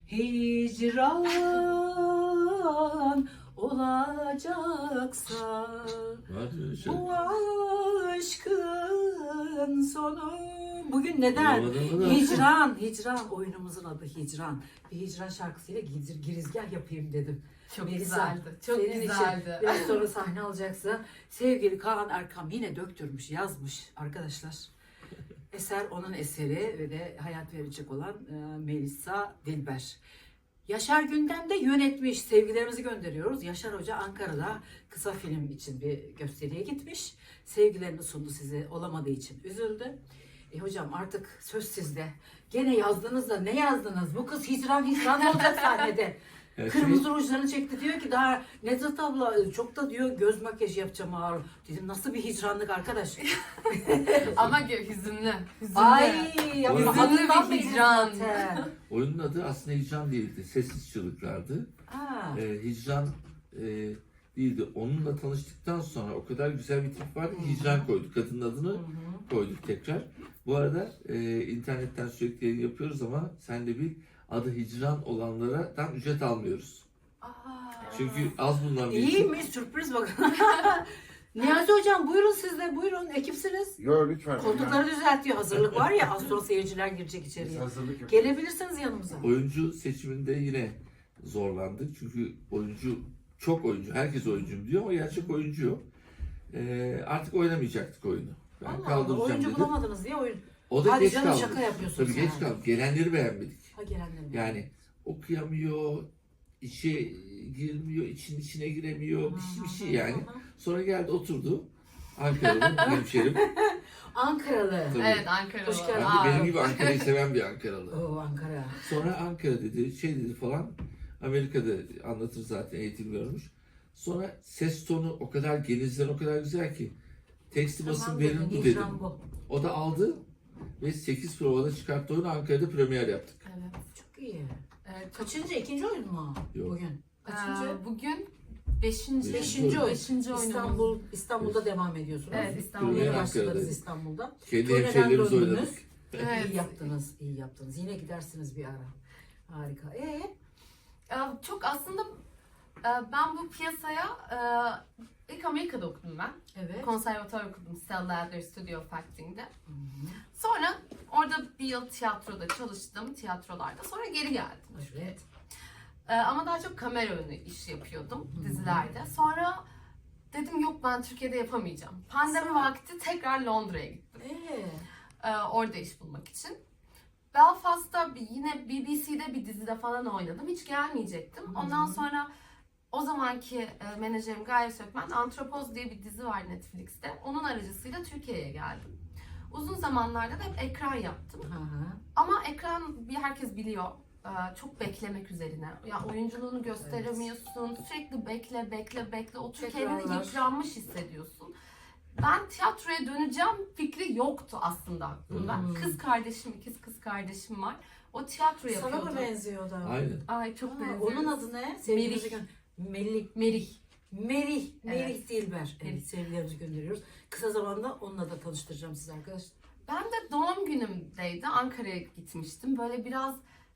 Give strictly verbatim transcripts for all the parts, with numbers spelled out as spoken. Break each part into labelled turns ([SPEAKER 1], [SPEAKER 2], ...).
[SPEAKER 1] hicran olacaksa
[SPEAKER 2] şey.
[SPEAKER 1] bu aşkın sonu. Bugün neden?
[SPEAKER 2] Olamadım.
[SPEAKER 1] Hicran, hicran. Oyunumuzun adı Hicran. Bir hicran şarkısıyla gir- girizgah yapayım dedim.
[SPEAKER 3] Çok
[SPEAKER 1] Melisa,
[SPEAKER 3] güzeldi. Çok
[SPEAKER 1] senin
[SPEAKER 3] güzeldi.
[SPEAKER 1] için biraz sonra sahne alacaksa sevgili Kaan Erkam yine döktürmüş, yazmış arkadaşlar. Eser onun eseri ve de hayat verecek olan e, Melisa Dilber. Yaşar Gündem'de yönetmiş. Sevgilerimizi gönderiyoruz. Yaşar Hoca Ankara'da kısa film için bir gösteriye gitmiş. Sevgilerini sundu size. Olamadığı için üzüldü. E hocam artık söz sizde. Gene yazdınız da ne yazdınız? Bu kız hicran hicran olacak sahnede.
[SPEAKER 2] Her
[SPEAKER 1] Kırmızı
[SPEAKER 2] şey-
[SPEAKER 1] rujlarını çekti, diyor ki daha Nezahat abla çok da diyor göz makyajı yapacağım ağır. Dedim nasıl bir hicranlık arkadaş.
[SPEAKER 3] Ama gö- hüzünlü. Hüzünlü.
[SPEAKER 1] Ay ya
[SPEAKER 2] Hüzünlü
[SPEAKER 1] adından
[SPEAKER 3] bir
[SPEAKER 1] belli
[SPEAKER 3] hicran.
[SPEAKER 1] zaten.
[SPEAKER 2] Oyunun adı aslında hicran değildi. Sessiz çığlıklardı.
[SPEAKER 1] Ha.
[SPEAKER 2] Ee, hicran e, değildi. Onunla tanıştıktan sonra o kadar güzel bir tip vardı ki hicran koyduk. Kadının adını
[SPEAKER 1] Hı hı.
[SPEAKER 2] koyduk tekrar. Bu arada e, internetten sürekli yayın yapıyoruz ama sen de bir adı hicran olanlara tam ücret almıyoruz.
[SPEAKER 1] Aa.
[SPEAKER 2] Çünkü az bulunan bir isim.
[SPEAKER 1] İyiymiş, sürpriz bakın. Niyazi hocam buyurun siz de, buyurun ekipsiniz.
[SPEAKER 4] Yo lütfen.
[SPEAKER 1] Koltukları düzeltiyor, hazırlık var ya, az sonra seyirciler girecek
[SPEAKER 4] Biz
[SPEAKER 1] içeriye.
[SPEAKER 4] hazırlık yapıyoruz.
[SPEAKER 1] Gelebilirsiniz yanımıza.
[SPEAKER 2] Oyuncu seçiminde yine zorlandık. Çünkü oyuncu, çok oyuncu, herkes oyuncuyum diyor ama gerçek oyuncu yok. Ee, artık oynamayacaktık oyunu. Ben
[SPEAKER 1] Allah Allah,
[SPEAKER 2] kaldıracağım
[SPEAKER 1] oyuncu
[SPEAKER 2] dedim.
[SPEAKER 1] bulamadınız diye oyun.
[SPEAKER 2] O da
[SPEAKER 1] Hadi
[SPEAKER 2] geç
[SPEAKER 1] canım,
[SPEAKER 2] kaldı.
[SPEAKER 1] şaka yapıyorsun
[SPEAKER 2] Tabii
[SPEAKER 1] sen.
[SPEAKER 2] geç kaldı. Gelenleri beğenmedik.
[SPEAKER 1] Ha gelenlerim.
[SPEAKER 2] Yani okuyamıyor, içe girmiyor, için içine giremiyor, bir şey, bir şey yani. Sonra geldi oturdu. Ankara'lı hemşerim.
[SPEAKER 1] Ankaralı.
[SPEAKER 2] Tabii.
[SPEAKER 3] Evet, Ankara'da.
[SPEAKER 1] Hoş geldin.
[SPEAKER 2] Ben
[SPEAKER 3] Aa,
[SPEAKER 2] de benim gibi Ankara'yı seven bir Ankaralı.
[SPEAKER 1] Oo Ankara.
[SPEAKER 2] Sonra Ankara dedi, şey dedi falan. Amerika'da anlatır zaten, eğitim görmüş. Sonra ses tonu o kadar genizden o kadar güzel ki. Teksti basın
[SPEAKER 1] Tamam
[SPEAKER 2] verin
[SPEAKER 1] dedin,
[SPEAKER 2] bu
[SPEAKER 1] hicran
[SPEAKER 2] dedim.
[SPEAKER 1] bu.
[SPEAKER 2] O da aldı ve sekiz provada çıkarttı oyunu, Ankara'da premier yaptık.
[SPEAKER 3] Evet.
[SPEAKER 1] Çok iyi.
[SPEAKER 3] Evet.
[SPEAKER 1] Kaçıncı? İkinci oyun mu
[SPEAKER 2] Yok.
[SPEAKER 1] bugün? Kaçıncı?
[SPEAKER 3] Ee, bugün beşinci.
[SPEAKER 1] Beşinci oyun.
[SPEAKER 3] Beşinci oyunumuz.
[SPEAKER 1] İstanbul, İstanbul'da devam ediyorsunuz.
[SPEAKER 3] Evet, İstanbul'da.
[SPEAKER 1] Yeni
[SPEAKER 2] Ankara'dayız.
[SPEAKER 1] başladınız İstanbul'da.
[SPEAKER 2] Kendi
[SPEAKER 1] Köyden
[SPEAKER 2] hemşehrilerimizi
[SPEAKER 1] döndünüz.
[SPEAKER 2] oynadık.
[SPEAKER 3] Evet.
[SPEAKER 1] İyi yaptınız, iyi yaptınız. Yine gidersiniz bir ara. Harika. Ee,
[SPEAKER 3] Ee, Çok aslında e, ben bu piyasaya e, ilk Amerika'da okudum ben.
[SPEAKER 1] evet.
[SPEAKER 3] Konservatuvar okudum Stella Adler Studio of Acting'de.
[SPEAKER 1] Hı hı.
[SPEAKER 3] Sonra orada bir yıl tiyatroda çalıştım, tiyatrolarda. Sonra geri geldim.
[SPEAKER 1] Evet.
[SPEAKER 3] Ee, ama daha çok kamera önü iş yapıyordum
[SPEAKER 1] Hı hı.
[SPEAKER 3] dizilerde. Sonra dedim yok ben Türkiye'de yapamayacağım. Pandemi
[SPEAKER 1] Sonra?
[SPEAKER 3] vakti tekrar Londra'ya gittim.
[SPEAKER 1] Ee,
[SPEAKER 3] Ee, orada iş bulmak için. Belfast'ta bir- yine B B C'de bir dizide falan oynadım. Hiç gelmeyecektim.
[SPEAKER 1] Hı hı.
[SPEAKER 3] Ondan sonra o zamanki e, menajerim Gaye Sökmen, Antropoz diye bir dizi var Netflix'te. Onun aracısıyla Türkiye'ye geldim. Uzun zamanlarda da hep ekran yaptım.
[SPEAKER 1] hı hı.
[SPEAKER 3] Ama ekran bir herkes biliyor. Ee, Çok beklemek üzerine. Ya oyunculuğunu gösteremiyorsun. Sürekli bekle, bekle, bekle. Otur kendini
[SPEAKER 1] Tekrarlar.
[SPEAKER 3] yıpranmış hissediyorsun. Ben tiyatroya döneceğim fikri yoktu aslında aklımda.
[SPEAKER 1] Hmm.
[SPEAKER 3] Kız kardeşim, ikiz kız kardeşim var. O tiyatro
[SPEAKER 1] Sana
[SPEAKER 3] yapıyordu.
[SPEAKER 1] mı benziyor da?
[SPEAKER 2] Aynen.
[SPEAKER 3] Ay çok
[SPEAKER 1] Ha,
[SPEAKER 3] benziyor.
[SPEAKER 1] onun adı ne? Sevgilimizi gö- Melih.
[SPEAKER 3] Merih.
[SPEAKER 1] Merih. Merih
[SPEAKER 3] Evet.
[SPEAKER 1] Dilber. Evet,
[SPEAKER 3] Merih.
[SPEAKER 1] sevgilerimizi gönderiyoruz. Kısa zamanda onunla da tanıştıracağım sizi arkadaşlar.
[SPEAKER 3] Ben de doğum günümdeydi. Ankara'ya gitmiştim. Böyle biraz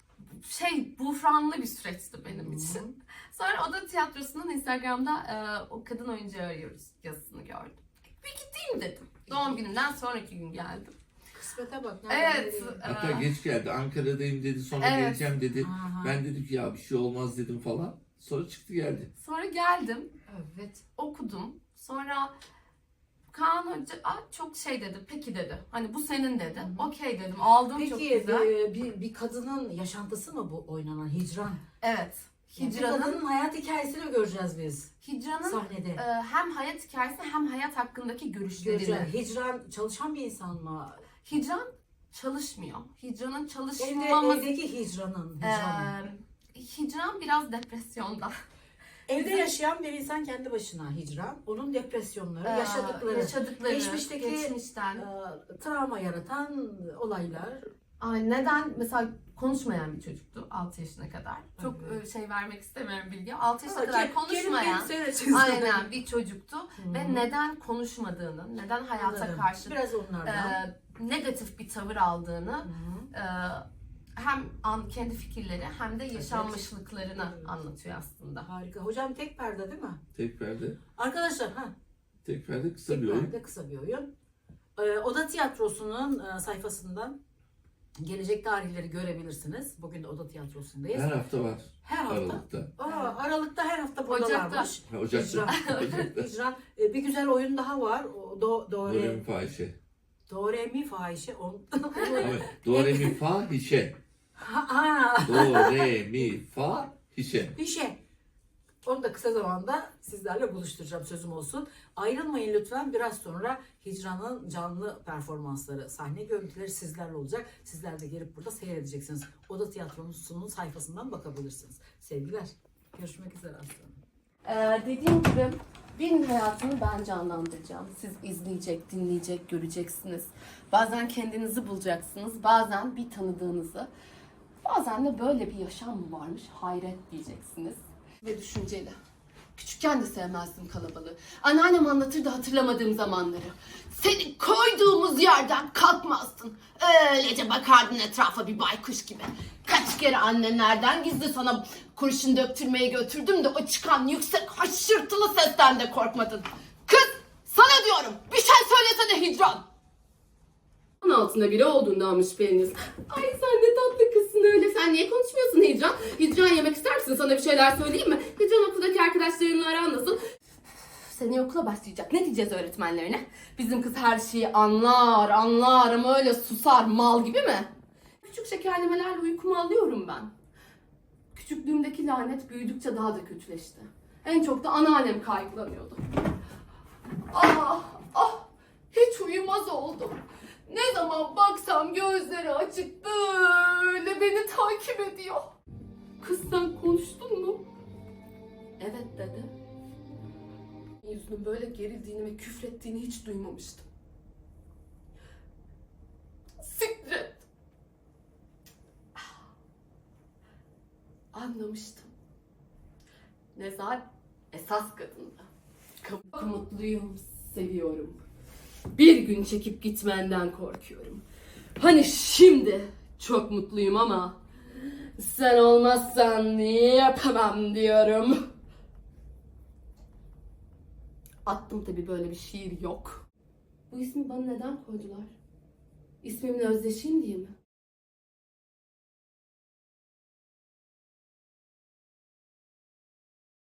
[SPEAKER 3] şey buhranlı bir süreçti benim
[SPEAKER 1] Hı.
[SPEAKER 3] için. Sonra Oda Tiyatrosu'nun Instagram'da e, o kadın oyuncu arıyoruz yazısını gördüm. Bir gideyim dedim. Doğum günümden sonraki gün geldim.
[SPEAKER 1] Kısmete bak. nereden
[SPEAKER 3] Evet.
[SPEAKER 1] nereye?
[SPEAKER 2] Hatta
[SPEAKER 3] e,
[SPEAKER 2] geç geldi. Ankara'dayım dedi. Sonra
[SPEAKER 3] Evet.
[SPEAKER 2] geleceğim dedi.
[SPEAKER 1] Aha.
[SPEAKER 2] Ben dedim ki ya bir şey olmaz dedim falan. Sonra çıktı geldi.
[SPEAKER 3] Sonra geldim.
[SPEAKER 1] Evet.
[SPEAKER 3] Okudum. Sonra Kaan Hoca "Aa, çok şey dedi. Peki dedi. Hani bu senin dedi.
[SPEAKER 1] Hı hı.
[SPEAKER 3] Okey dedim. Aldım çok
[SPEAKER 1] Peki
[SPEAKER 3] güzel.
[SPEAKER 1] bir, bir, bir kadının yaşantısı mı bu oynanan hicran?
[SPEAKER 3] Evet.
[SPEAKER 1] Yani bir
[SPEAKER 3] Hicranın,
[SPEAKER 1] kadının hayat hikayesini mi göreceğiz biz
[SPEAKER 3] Hicranın
[SPEAKER 1] sahnede?
[SPEAKER 3] e, hem hayat hikayesi hem hayat hakkındaki görüşlerini.
[SPEAKER 1] Göreceğiz. Hicran çalışan bir insan mı?
[SPEAKER 3] Hicran çalışmıyor. Hicran'ın
[SPEAKER 1] Evde,
[SPEAKER 3] çalışmaması...
[SPEAKER 1] evdeki hicranın.
[SPEAKER 3] e,
[SPEAKER 1] Hicran.
[SPEAKER 3] Hicran biraz depresyonda.
[SPEAKER 1] Evde yaşayan bir insan kendi başına hicran. Onun depresyonları,
[SPEAKER 3] E,
[SPEAKER 1] yaşadıkları,
[SPEAKER 3] yaşadıkları,
[SPEAKER 1] geçmişteki-
[SPEAKER 3] geçmişten.
[SPEAKER 1] e, travma yaratan olaylar.
[SPEAKER 3] Ay, neden mesela konuşmayan bir çocuktu altı yaşına kadar. Çok
[SPEAKER 1] Evet.
[SPEAKER 3] e, şey vermek istemiyorum bilgi. altı yaşına
[SPEAKER 1] Ha,
[SPEAKER 3] kadar
[SPEAKER 1] ke-
[SPEAKER 3] konuşmayan
[SPEAKER 1] kelime söyle-
[SPEAKER 3] aynen bir çocuktu
[SPEAKER 1] Hı.
[SPEAKER 3] ve neden konuşmadığını, neden hayata
[SPEAKER 1] Anladım.
[SPEAKER 3] karşı
[SPEAKER 1] Biraz onlardan.
[SPEAKER 3] e, negatif bir tavır aldığını
[SPEAKER 1] Hı.
[SPEAKER 3] e, hem an, kendi fikirleri hem de yaşanmışlıklarını anlatıyor aslında.
[SPEAKER 1] Harika. Hocam tek perde değil mi?
[SPEAKER 2] Tek perde.
[SPEAKER 1] Arkadaşlar ha.
[SPEAKER 2] Tek perde kısa
[SPEAKER 1] Tek
[SPEAKER 2] bir oyun.
[SPEAKER 1] perde kısa bir oyun. Ee, Oda Tiyatrosu'nun e, sayfasından gelecek tarihleri görebilirsiniz. Bugün de Oda Tiyatrosu'ndayız.
[SPEAKER 2] Her hafta var.
[SPEAKER 1] Her hafta.
[SPEAKER 2] Aralıkta.
[SPEAKER 1] Aa, Aralık'ta her hafta
[SPEAKER 3] Ocak'ta.
[SPEAKER 1] buradalarmış.
[SPEAKER 2] Ha, Ocak'ta.
[SPEAKER 1] İcra.
[SPEAKER 2] Ocak'ta.
[SPEAKER 1] İcra. E, bir güzel oyun daha var. O, do, do,
[SPEAKER 2] Do, re,
[SPEAKER 1] re,
[SPEAKER 2] mi, fa, hişe.
[SPEAKER 1] do, re, mi, fahişe. On...
[SPEAKER 2] Evet. Do, re, mi, fa, hişe.
[SPEAKER 1] ha, ha.
[SPEAKER 2] Do, re, mi, fa, hişe.
[SPEAKER 1] Bir şey. Onu da kısa zamanda sizlerle buluşturacağım, sözüm olsun. Ayrılmayın lütfen. Biraz sonra Hicran'ın canlı performansları, sahne görüntüleri sizlerle olacak. Sizler de gelip burada seyredeceksiniz. Oda Tiyatrosu'nun sayfasından bakabilirsiniz. Sevgiler. Görüşmek üzere aslanım.
[SPEAKER 3] Ee, dediğim gibi birinin hayatını ben canlandıracağım. Siz izleyecek, dinleyecek, göreceksiniz. Bazen kendinizi bulacaksınız, bazen bir tanıdığınızı. Bazen de böyle bir yaşam mı varmış, hayret diyeceksiniz. Ve düşünceli. Küçükken de sevmezdim kalabalığı. Anneannem anlatırdı hatırlamadığım zamanları. Seni koyduğumuz yerden kalkmazdın. Öylece bakardın etrafa bir baykuş gibi. Kaç kere annenlerden gizli sana kurşun döktürmeye götürdüm de o çıkan yüksek haşırtılı sesten de korkmadın. Kız, sana diyorum, bir şey söylesene Hicran. on altında biri olduğundan mı şüpheleniz? Ay sen ne tatlı kızsın öyle. Sen niye konuşmuyorsun Hicran? Hicran yemek ister misin? Sana bir şeyler söyleyeyim mi? Hicran okuldaki arkadaşlarınla aran nasıl? Seneye okula başlayacak. Ne diyeceğiz öğretmenlerine? Bizim kız her şeyi anlar, anlar ama öyle susar mal gibi mi? Küçük şekerlemelerle uykumu alıyorum ben. Küçüklüğümdeki lanet büyüdükçe daha da kötüleşti. En çok da anneannem kaygılanıyordu. Ah, ah, hiç uyumaz oldum. Ne zaman baksam gözleri açık böyle beni takip ediyor. Kız sen konuştun mu? Evet dedi. Yüzünün böyle gerildiğini ve küfrettiğini hiç duymamıştım. Sikret. Anlamıştım. Nezar esas kadındı. Çok mutluyum, seviyorum. Bir gün çekip gitmenden korkuyorum. Hani şimdi çok mutluyum ama sen olmazsan yapamam diyorum. Attım tabii, böyle bir şiir yok. Bu ismi bana neden koydular? İsmimle özdeşeyim diye mi?